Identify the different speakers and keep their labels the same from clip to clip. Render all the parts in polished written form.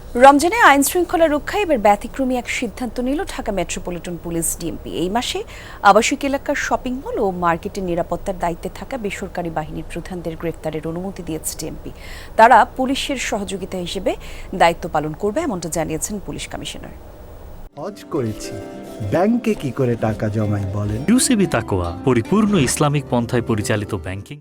Speaker 1: রমজানে আইন শৃঙ্খলা রক্ষায় এবার ব্যতিক্রমী এক সিদ্ধান্ত নিল ঢাকা মেট্রোপলিটন পুলিশ ডিএমপি। এই মাসে আবাসিক এলাকার শপিং মল ও মার্কেটের নিরাপত্তার দায়িত্বে থাকা বেসরকারি বাহিনীর প্রধানদের গ্রেফতারের অনুমতি দিয়েছে ডিএমপি। তারা পুলিশের সহযোগিতা হিসেবে দায়িত্ব পালন করবে, এমনটা জানিয়েছেন পুলিশ কমিশনার।
Speaker 2: হজ করেছি, ব্যাংকে কি করে টাকা জমাই বলেন?
Speaker 3: ইউসিবি তাকওয়া, পরিপূর্ণ ইসলামিক পন্থায় পরিচালিত ব্যাংকিং।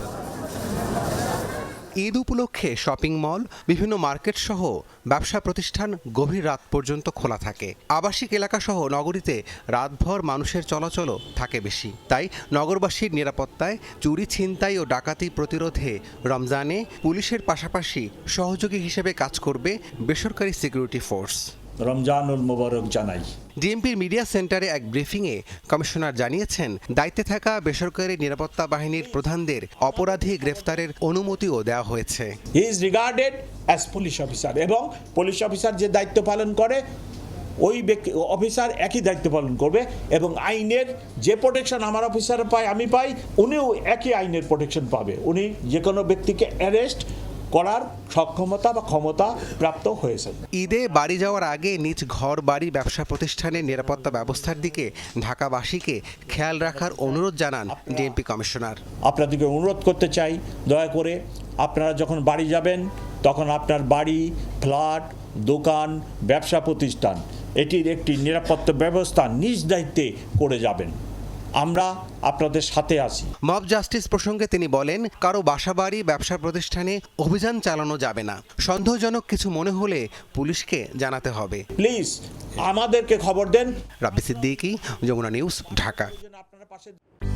Speaker 4: ঈদ উপলক্ষে শপিং মল, বিভিন্ন মার্কেট সহ ব্যবসা প্রতিষ্ঠান গভীর রাত পর্যন্ত খোলা থাকে। আবাসিক এলাকা সহ নগরীতে রাতভর মানুষের চলাচলও থাকে বেশি। তাই নগরবাসীর নিরাপত্তায়, চুরি, ছিনতাই ও ডাকাতি প্রতিরোধে রমজানে পুলিশের পাশাপাশি সহযোগী হিসেবে কাজ করবে বেসরকারি সিকিউরিটি ফোর্স।
Speaker 5: রমজানুল মোবারক জানাই।
Speaker 4: ডিএমপির মিডিয়া সেন্টারে এক ব্রিফিংয়ে কমিশনার জানিয়েছেন, দায়িত্বে থাকা বেসরকারি নিরাপত্তা বাহিনীর প্রধানদের অপরাধী গ্রেফতারের অনুমতিও দেওয়া হয়েছে।
Speaker 5: He is regarded as police officer, এবং পুলিশ অফিসার যে দায়িত্ব পালন করে ওই ব্যক্তি অফিসার একই দায়িত্ব পালন করবে, এবং আইনের যে প্রোটেকশন আমার অফিসার পায়, আমি পাই, উনিও একই আইনের প্রোটেকশন পাবে। উনি যে কোনো ব্যক্তিকে অ্যারেস্ট করার সক্ষমতা বা ক্ষমতা প্রাপ্ত হয়েছে।
Speaker 4: ঈদে বাড়ি যাওয়ার আগে নিজ ঘর বাড়ি ব্যবসা প্রতিষ্ঠানের নিরাপত্তা ব্যবস্থার দিকে ঢাকাবাসীকে খেয়াল রাখার অনুরোধ জানান ডিএমপি কমিশনার।
Speaker 5: আপনাদেরকে অনুরোধ করতে চাই, দয়া করে আপনারা যখন বাড়ি যাবেন তখন আপনার বাড়ি, ফ্ল্যাট, দোকান, ব্যবসা প্রতিষ্ঠান এটির একটি নিরাপত্তা ব্যবস্থা নিজ দায়িত্বে করে যাবেন। আমরা আপনাদের সাথে আছি।
Speaker 4: মব জাস্টিস প্রসঙ্গে তিনি বলেন, কারো বাসাবাড়ি, ব্যবসা প্রতিষ্ঠানে অভিযান চালানো যাবে না। সন্দেহজনক কিছু মনে হলে পুলিশকে জানাতে হবে।
Speaker 5: প্লিজ আমাদেরকে খবর দেন।
Speaker 4: রাব্বি সিদ্দিকী, যমুনা নিউজ, ঢাকা।